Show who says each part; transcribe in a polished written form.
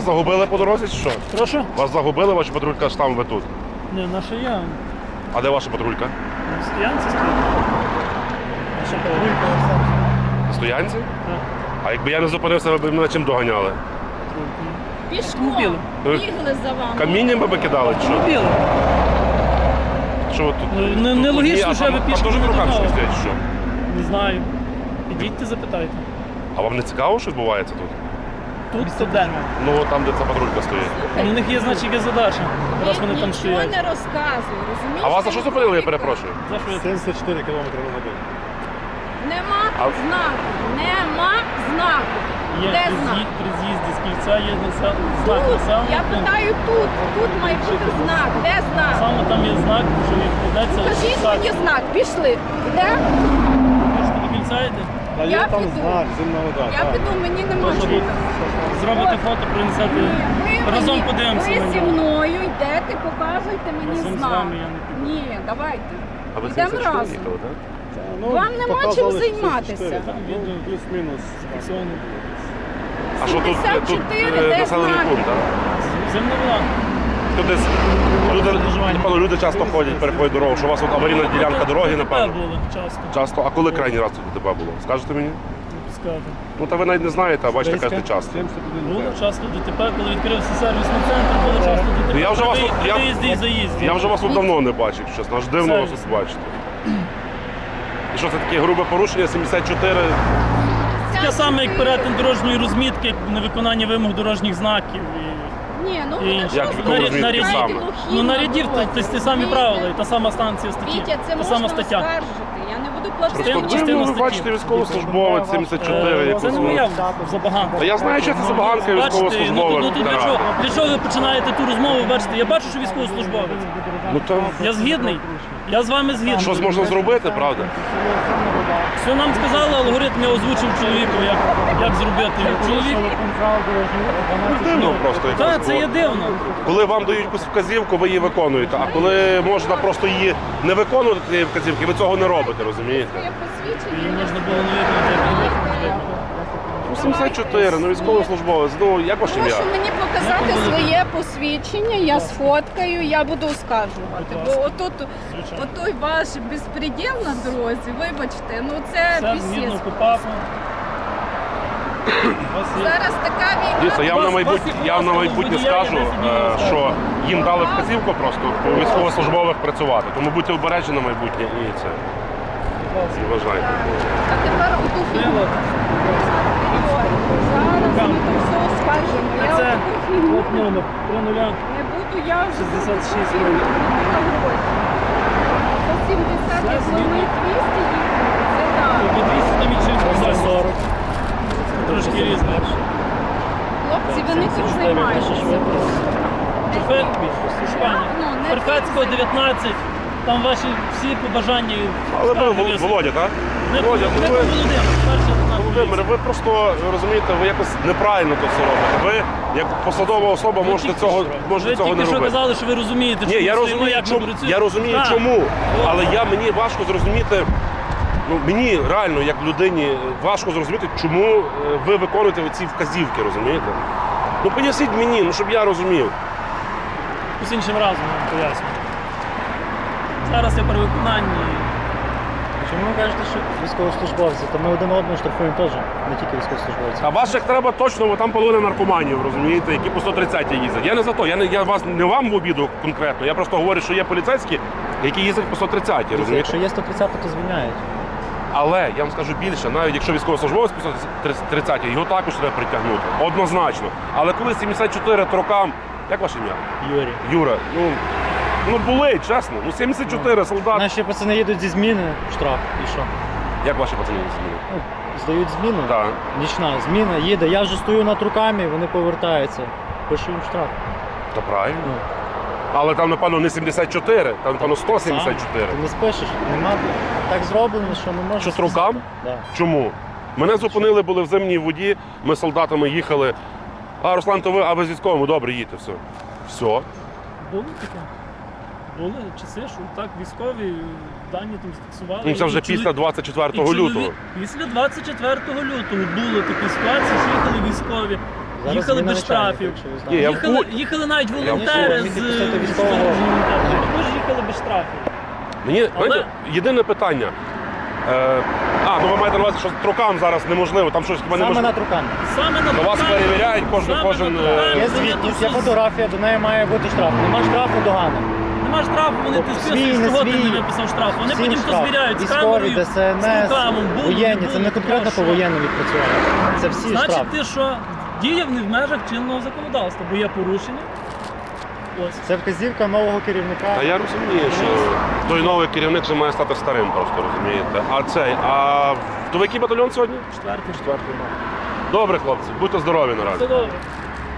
Speaker 1: загубили по дорозі чи що?
Speaker 2: Прошу?
Speaker 1: Вас загубили, ваша патрулька ж там, ви тут.
Speaker 2: Не, наша я.
Speaker 1: А де ваша патрулька?
Speaker 2: На стоянці стоїть. Наша патрулька.
Speaker 1: На стоянці?
Speaker 2: Так.
Speaker 1: А якби я не зупинився, ви б мене чим доганяли?
Speaker 2: Автомобілем.
Speaker 3: Пішком бігли за вами.
Speaker 1: Камінням би кидали чи що?
Speaker 2: Автомобілем.
Speaker 1: Що ви тут?
Speaker 2: Нелогічно, що ви пішки
Speaker 1: Там
Speaker 2: не
Speaker 1: теж руками
Speaker 2: догнали.
Speaker 1: стоять, чи що?
Speaker 2: Не знаю. Підійдьте, запитайте.
Speaker 1: А вам не цікаво, що відбувається тут?
Speaker 2: Тут студент.
Speaker 1: Ну, там, де ця патрулька стоїть.
Speaker 2: У них є, значить, є задача, раз вони там
Speaker 3: Нічого
Speaker 2: стоять.
Speaker 3: не розказую, розумієш?
Speaker 1: А вас за що зупинили, я перепрошую?
Speaker 2: За що я
Speaker 4: 74 км на годину.
Speaker 3: Нема
Speaker 1: А-
Speaker 3: знаку. Нема знаку.
Speaker 2: є
Speaker 3: Де знак?
Speaker 2: при з'їзді з кільця, є знак
Speaker 3: Тут.
Speaker 2: населеного
Speaker 3: Я
Speaker 2: пункту.
Speaker 3: питаю тут. Тут має бути знак. Де знак?
Speaker 2: Саме там є знак, що відкладеться.
Speaker 3: Покажіть мені знак. Пішли. Де?
Speaker 2: Хочете до кільця йти?
Speaker 4: А
Speaker 3: Я
Speaker 4: є там
Speaker 3: піду.
Speaker 4: знак, зимна вода.
Speaker 3: Я
Speaker 4: так.
Speaker 3: піду, мені нема
Speaker 2: Прошу,
Speaker 3: чого.
Speaker 2: зробите фото, принесете. Разом подивимося
Speaker 3: Ви
Speaker 2: на
Speaker 3: зі
Speaker 2: нього.
Speaker 3: мною йдете, показуйте мені
Speaker 2: Разом з
Speaker 3: знак.
Speaker 2: вами я не піду.
Speaker 3: Ні, давайте.
Speaker 1: А ви
Speaker 3: Йдемо
Speaker 1: 74
Speaker 3: разом.
Speaker 1: їхали, так?
Speaker 4: Ну,
Speaker 3: Вам нема
Speaker 4: показали
Speaker 3: чим
Speaker 4: 64,
Speaker 3: займатися.
Speaker 4: так, ну, плюс-мінус.
Speaker 2: Фіксовано.
Speaker 1: А що тут,
Speaker 3: 74, де
Speaker 1: населений
Speaker 3: знаки?
Speaker 1: пункт, так?
Speaker 2: Зимна вода.
Speaker 1: Тут десь напевно, люди часто ходять, переходять дорогу, що у вас тут аварійна ділянка дороги,
Speaker 2: ДТП
Speaker 1: напевно.
Speaker 2: було часто.
Speaker 1: Часто. А коли крайній раз тут ДТП було? Скажете мені?
Speaker 2: Не пускати.
Speaker 1: Ну, та ви навіть не знаєте, а бачите, кажете часто.
Speaker 4: 71
Speaker 2: Було часто ДТП, коли відкрився сервісний центр, було часто ДТП.
Speaker 1: Ну, я вже вас тут-
Speaker 2: При
Speaker 1: я-
Speaker 2: виїзді і заїзді.
Speaker 1: Я вже вас тут давно не бачив, чесно, аж дивно вас тут бачити. І що це таке грубе порушення, 74?
Speaker 2: Таке саме, як перетин дорожньої розмітки, як невиконання вимог дорожніх знаків.
Speaker 3: Ні, ну
Speaker 2: І
Speaker 3: ви
Speaker 2: інше.
Speaker 3: що
Speaker 1: Як
Speaker 3: ви
Speaker 1: вікова
Speaker 3: знаєте,
Speaker 1: розмітка
Speaker 2: нарядів.
Speaker 1: саме?
Speaker 3: глухі
Speaker 2: Ну
Speaker 3: на
Speaker 2: нарядів,
Speaker 3: дорозі.
Speaker 2: то ті самі
Speaker 3: Вітя,
Speaker 2: правила, і та сама станція статті.
Speaker 3: Вітя, це
Speaker 2: Та
Speaker 3: можна
Speaker 2: сама стаття.
Speaker 3: оскаржити. Я не буду платити.
Speaker 2: Частина-
Speaker 1: Ви,
Speaker 2: частина
Speaker 1: ви
Speaker 2: статті.
Speaker 1: бачите військовослужбовець 74, якось.
Speaker 2: Це не моя забаганка.
Speaker 1: Та я знаю, що це забаганка
Speaker 2: Бачите,
Speaker 1: військовослужбовець.
Speaker 2: ну, для чого ви починаєте ту розмову? Бачите, я бачу, що військовослужбовець.
Speaker 1: Ну то
Speaker 2: Я згідний. Я з вами згідний.
Speaker 1: щось можна зробити, правда?
Speaker 2: Все нам сказали, алгоритм я озвучив чоловіку, як зробити. Чоловік.
Speaker 1: Дивно просто якось.
Speaker 2: Так, це є дивно.
Speaker 1: Коли вам дають якусь вказівку, ви її виконуєте. А коли можна просто її не виконувати, цієї вказівки, ви цього не робите, розумієте?
Speaker 3: Своє посвідчення.
Speaker 2: Її можна було не виконати, як не виконати.
Speaker 1: Ну, 74, ну військовослужбовець, ну як ваше ім'я?
Speaker 3: Прошу мені показати своє посвідчення, я сфоткаю, я буду оскаржувати. Бо отут, отой ваш безпреділ на дорозі, вибачте, ну це
Speaker 2: Все згідно
Speaker 3: пісєць.
Speaker 2: КУПАПу.
Speaker 3: Зараз така
Speaker 1: Дивіться,
Speaker 3: війна.
Speaker 1: я вам на майбутнє скажу, що їм дали вказівку просто по військовослужбових працювати. Тому будьте обережні на майбутнє і це. І вважайте.
Speaker 3: А тепер оту фігню. Зараз ми там все оскаржимо. Я
Speaker 2: Це
Speaker 3: отаку фігню
Speaker 2: от номер 30.
Speaker 3: не буду, я вже
Speaker 2: 66
Speaker 3: фігню
Speaker 2: років.
Speaker 3: на гроші. За 70
Speaker 2: Все
Speaker 3: як вони
Speaker 2: згідно.
Speaker 3: 200 їхали, це так.
Speaker 2: Тобі 200 там інший за 40. Трошки різне.
Speaker 3: Хлопці, ви не тут займаєтеся.
Speaker 2: Перфецького 19. Там ваші всі побажання.
Speaker 1: Але ви
Speaker 2: скарги
Speaker 1: Володя, так?
Speaker 2: Не
Speaker 1: Володя, ну ви,
Speaker 2: Володимир, перший лейтенант
Speaker 1: Володимир, ви просто розумієте, ви якось неправильно це все робите. Ви як посадова особа
Speaker 2: Ви
Speaker 1: можете
Speaker 2: тільки
Speaker 1: цього,
Speaker 2: що-
Speaker 1: можете
Speaker 2: ви
Speaker 1: цього не
Speaker 2: тільки що
Speaker 1: робити.
Speaker 2: казали, що ви розумієте,
Speaker 1: Ні,
Speaker 2: чому
Speaker 1: я
Speaker 2: стоїмо,
Speaker 1: розумію,
Speaker 2: як ми
Speaker 1: чому,
Speaker 2: працюємо.
Speaker 1: я розумію
Speaker 2: Так.
Speaker 1: чому, але мені важко зрозуміти, ну мені реально, як людині, важко зрозуміти, чому ви виконуєте ці вказівки, розумієте? Ну поясніть мені, ну щоб я розумів.
Speaker 2: З іншим разом я вам поясню. Зараз я при виконанні.
Speaker 5: Чому ви кажете, що військовослужбовці? То ми один одного штрафуємо теж, не тільки військовослужбовці.
Speaker 1: А ваших треба точно, бо там половина наркоманів, розумієте, які по 130 їздять. Я не за то, я вас не вам в обіду конкретно, я просто говорю, що є поліцейські, які їздять по 130, розумієте?
Speaker 5: Якщо є 130, то звільняють.
Speaker 1: Але я вам скажу більше, навіть якщо військовослужбовець по 130, його також треба притягнути. Однозначно. Але коли 74 трокам, як ваше ім'я?
Speaker 5: Юрій.
Speaker 1: Юра, ну були, чесно. Ну 74 солдат.
Speaker 5: Наші пацани їдуть зі зміни в штраф. І що?
Speaker 1: Як ваші пацани змінили?
Speaker 5: Ну, здають зміну.
Speaker 1: Так.
Speaker 5: Нічна зміна, їде. Я вже стою над руками, вони повертаються. Пишу їм штраф.
Speaker 1: Та правильно.
Speaker 5: Ну,
Speaker 1: Але там, напевно, не 74, там, напевно, 174.
Speaker 5: Ти не спишеш. Нема так зроблено, що не можеш.
Speaker 1: Що з рукам?
Speaker 5: Да.
Speaker 1: Чому? Мене зупинили, були в зимній воді, ми з солдатами їхали. А, Руслан, то ви з військовими, добре, їдьте, все. Все.
Speaker 2: Було таке. Були часи, що так військові дані там зафіксували.
Speaker 1: Ну, це вже
Speaker 2: І
Speaker 1: після 24
Speaker 2: і
Speaker 1: лютого.
Speaker 2: Після 24 лютого було такі ситуації, що їхали військові.
Speaker 5: Зараз
Speaker 2: їхали
Speaker 5: зміна
Speaker 2: без штрафів.
Speaker 5: начальника, якщо ви
Speaker 1: Ні,
Speaker 5: знаєте.
Speaker 1: я
Speaker 2: Їхали навіть
Speaker 1: в
Speaker 2: волонтери
Speaker 5: курсі.
Speaker 2: з
Speaker 5: Міг військового.
Speaker 2: також їхали без штрафів.
Speaker 1: Мені
Speaker 2: Але-
Speaker 1: знаєте, єдине питання. Ну ви маєте на увазі, що трукам зараз неможливо, там щось хіба
Speaker 5: Саме
Speaker 1: неможливо.
Speaker 5: на труканні.
Speaker 2: Саме на
Speaker 1: До вас
Speaker 2: Трукані-
Speaker 1: перевіряють кожен.
Speaker 2: саме на Трукані
Speaker 5: Є
Speaker 2: вони
Speaker 5: звітність, є
Speaker 2: тут
Speaker 5: фотографія, до неї має бути штраф. Нема штрафу, догана.
Speaker 2: Нема штрафу, вони
Speaker 5: Тобто
Speaker 2: ти
Speaker 5: свій,
Speaker 2: списуєш,
Speaker 5: не
Speaker 2: чого ти
Speaker 5: свій,
Speaker 2: не виписав штраф. Вони
Speaker 5: всім
Speaker 2: потім то
Speaker 5: штраф.
Speaker 2: звіряють з
Speaker 5: Військові,
Speaker 2: камерою, з
Speaker 5: ДСНС,
Speaker 2: рукавом, було,
Speaker 5: воєнні. Це не
Speaker 2: було,
Speaker 5: конкретно
Speaker 2: що?
Speaker 5: по воєнним відпрацювання. Це всі
Speaker 2: Значить,
Speaker 5: штрафи.
Speaker 2: ти що діяв не в межах чинного законодавства, бо є порушення. Ось.
Speaker 5: Це вказівка нового керівника.
Speaker 1: Та я розумію, що той новий керівник вже має стати старим, просто розумієте. То ви який батальйон сьогодні?
Speaker 2: Четвертий.
Speaker 1: Добре, хлопці, будьте здорові наразі.
Speaker 2: Все добре.